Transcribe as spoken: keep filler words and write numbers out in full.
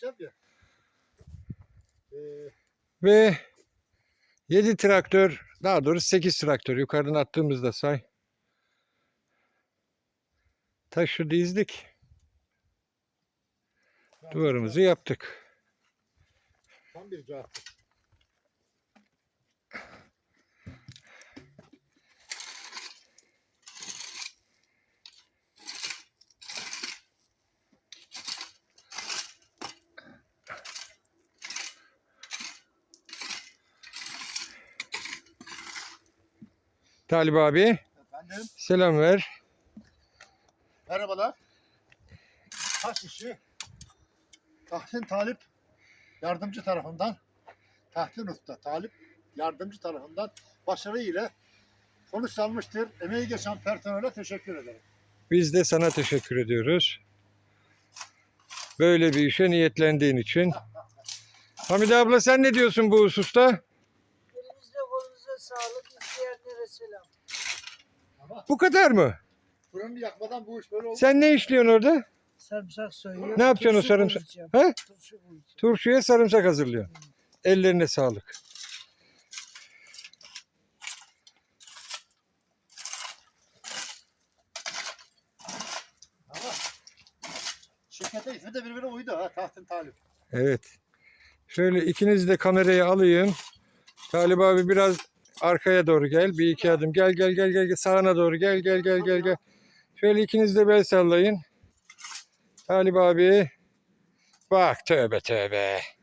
yapacağım ya. Ee, Ve yedi traktör, daha doğrusu sekiz traktör yukarıdan attığımızda say. Taşı dizdik. Duvarımızı yaptık. Tam bir cevap. Talip abi Efendim, selam ver. merhabalar. Taş işi Tahsin Talip yardımcı tarafından, Tahsin Usta Talip yardımcı tarafından başarı ile sonuçlanmıştır. Emeği geçen personele teşekkür ederim. Biz de sana teşekkür ediyoruz. Böyle bir işe niyetlendiğin için. Hamide abla sen ne diyorsun bu hususta? Elinizde kolunuza sağlık, izleyenlere selam. Ama Bu kadar mı? fırını yakmadan bu iş böyle oldu. Sen ne işliyorsun orada? Sarımsak soyuyor. Ne yapacaksın o turşu sarımsak? koyacağım, He? Turşu koyacağım. Turşuya sarımsak hazırlıyorsun. Ellerine sağlık. Ama şirkete ismi de birbirine uydu ha, Tahsin Talip. Evet. Şöyle ikiniz de kamerayı alayım. Talip abi biraz arkaya doğru gel. Bir iki adım. Gel gel gel gel. gel. Sağına doğru gel gel gel gel gel. Şöyle ikiniz de bel sallayın. Talip abi. Bak tövbe tövbe.